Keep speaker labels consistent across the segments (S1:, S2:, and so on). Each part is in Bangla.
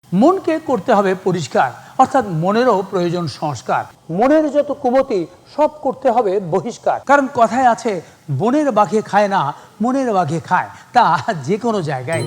S1: মনকে করতে হবে পরিষ্কার, অর্থাৎ মনেরও প্রয়োজন সংস্কার। মনের যত কুমতি সব করতে হবে বহিষ্কার। কারণ কথায় আছে, বনের বাঘে খায় না, মনের বাঘে খায়। তা যে কোনো জায়গায়।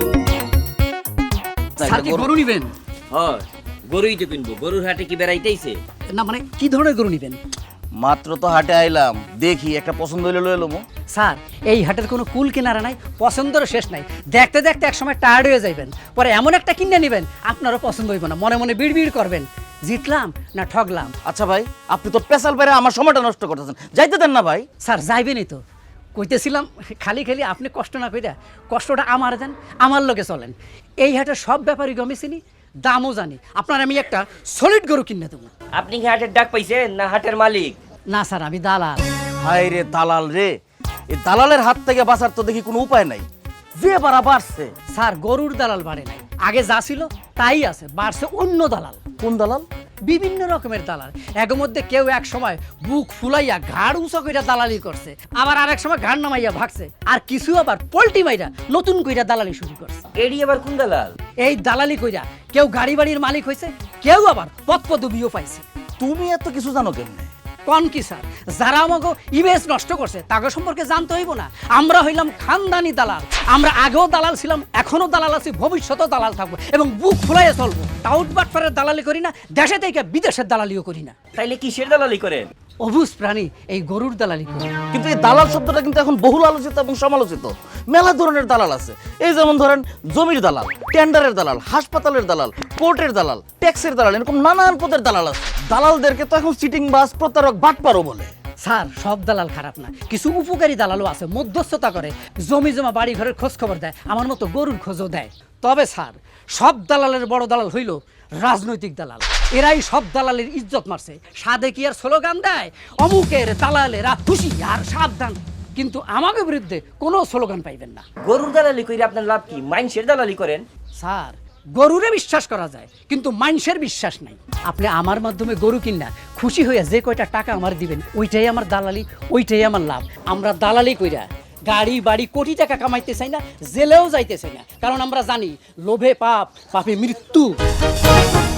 S2: স্যার কি গরু নিবেন?
S3: হয়, গরুই তো কিনবো। গরুর হাটে কি বেড়াইতেইছে?
S2: না মানে কি ধরনের গরু নিবেন?
S4: মাত্র তো হাটে আইলাম, দেখি একটা পছন্দ হইলে লয়ে লমু।
S2: স্যার এই হাটের কোনো কুল কিনারা নাই, পছন্দেরও শেষ নাই। দেখতে দেখতে একসময় টায়ার্ড হয়ে যাইবেন, পরে এমন একটা কিনে নেবেন আপনারও পছন্দ হইব না, মনে মনে বিড়বিড় করবেন, জিতলাম না ঠগলাম।
S4: আচ্ছা ভাই, আপনি তো পেশাল বাইরে আমার সময়টা নষ্ট করতেছেন, যাইতে দেন না ভাই।
S2: স্যার যাইবেনই তো, কইতেছিলাম খালি খালি আপনি কষ্ট না কইরা কষ্টটা আমার দেন, আমার লোকে চলেন। এই হাটের সব ব্যাপারই গমে চিনি, দামও জানি। আপনার আমি একটা সলিড গরু কিনে দেবো।
S3: আপনি কি হাটের ডাক পাইছেন না হাটের মালিক?
S2: না স্যার আমি দালাল।
S4: হাই রে দালাল রে, এই দালালের হাত থেকে বাঁচার তো দেখি কোনো উপায় নাই, যে বাড়া বাড়ছে।
S2: স্যার গরুর দালাল বাড়ে নাই, আগে যা ছিল তাই আছে, বাড়ছে অন্য দালাল।
S4: কোন দালাল?
S2: বিভিন্ন রকমের দালাল। এর মধ্যে কেউ এক সময় বুক ফুলাইয়া ঘাড় উঁচা কইরা দালালি করছে, আবার আরেক সময় ঘাড় নামাইয়া ভাগছে, আর কিছু আবার পল্টি মাইরা নতুন কইরা দালালি শুরু করছে।
S3: এডি আবার কোন দালাল?
S2: এই দালালি কইরা কেউ গাড়ি বাড়ির মালিক হয়েছে, কেউ আবার পদপদবিও পাইছে।
S4: তুমি এত কিছু জানো কেমনে?
S2: কোন কি স্যার, যারা আমাকে ইমেজ নষ্ট করছে তাদের সম্পর্কে জানতে হইব না? আমরা হইলাম খানদানি দালাল, আমরা আগেও দালাল ছিলাম, এখনো দালাল আছি, ভবিষ্যতেও দালাল থাকবো, এবং বুক ফুলাইয়া চলবো। টাউট বাটফারের দালালি করি না, দেশে থেকে বিদেশের দালালিও করি না।
S3: তাইলে কিসের দালালি করেন?
S2: অবুজ প্রাণী এই গরুর দালালি করি।
S4: কিন্তু এই দালাল শব্দটা কিন্তু এখন বহুল আলোচিত এবং সমালোচিত। মেলা ধরনের দালাল আছে, এই যেমন ধরেন জমির দালাল, টেন্ডারের দালাল, হাসপাতালের দালাল, কোর্টের দালাল, ট্যাক্সের দালাল, এরকম নানান পদের দালাল আছে। দালালদেরকে তো এখন চিটিং বাস, প্রতারক, বাটপারও বলে।
S2: স্যার সব দালাল খারাপ না, কিছু উপকারী দালালও আছে, মধ্যস্থতা করে, জমি জমা বাড়ি ঘরের খোঁজ খবর দেয়, আমার মতো গরুর খোঁজও দেয়। তবে স্যার সব দালালের বড় দালাল হইল রাজনৈতিক দালাল। এরাই সব দালালের ইজ্জত মারছে। সাদে কি আর স্লোগান দেয়, অমুকের দালালেরা খুশি আর সাবধান, কিন্তু আমাকে বিরুদ্ধে কোনো স্লোগান পাইবেন না।
S3: গরুর দালালি কইরা আপনার লাভ কি? মাইনষের দালালি করেন।
S2: স্যার গরুরে বিশ্বাস করা যায়, কিন্তু মানুষের বিশ্বাস নাই। আপনি আমার মাধ্যমে গরু কিনা খুশি হইয়া যে কয়টা টাকা আমার দিবেন, ওইটাই আমার দালালি, ওইটাই আমার লাভ। আমরা দালালি কইরা গাড়ি বাড়ি কোটি টাকা কামাইতে চাই না, জেলেও যাইতে চাই না, কারণ আমরা জানি লোভে পাপ, পাপে মৃত্যু।